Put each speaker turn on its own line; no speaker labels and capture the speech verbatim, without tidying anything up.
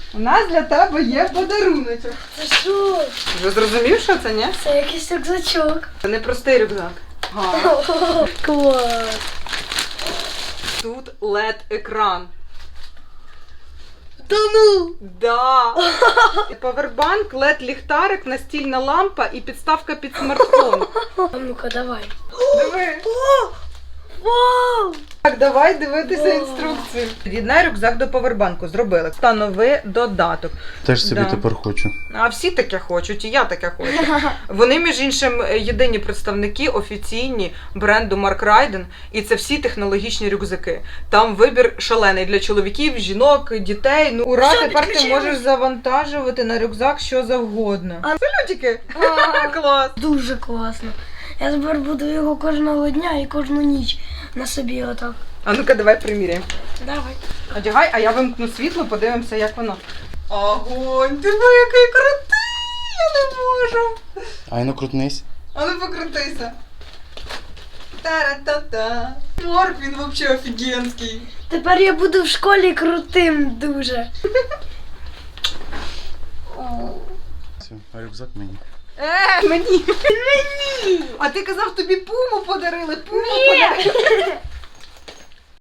У нас для тебе є подаруночок.
Це що?
Ви зрозумів, що це, ні?
Це якийсь рюкзачок.
Це не простий рюкзак. Ага.
Клас.
Тут лед-екран.
Та ну!
Да. Павербанк, лед-ліхтарик, настільна лампа і підставка під смартфон.
А ну-ка, давай.
Диви.
О! Вау!
Так, давай дивитися
Вау.
інструкцію. Під'єднай рюкзак до павербанку. Зробили. Встанови додаток.
Теж собі
Да.
тепер хочу.
А всі таке хочуть, і я таке хочу. Вони, між іншим, єдині представники офіційні бренду Mark Ryden, і це всі технологічні рюкзаки. Там вибір шалений для чоловіків, жінок, дітей. Ну, ура,
Все,
тепер ти
підключилось.
можеш завантажувати на рюкзак що завгодно.
А-
Салютики!
А.
Клас!
Дуже класно. Я тепер буду його кожного дня і кожну ніч на собі отак.
А ну-ка, давай приміряємо.
Давай.
Одягай, а я вимкну світло, подивимося, як воно. Огонь, диви, який крутий! Я не можу!
Ай, ну крутнись.
А ну покрутися. Та-ра-та-та. Морк, він взагалі офігенський.
Тепер я буду в школі крутим дуже.
Все, а рюкзак мені.
Е, мені. Мені. А ти казав, тобі пуму подарили, пуму подарили.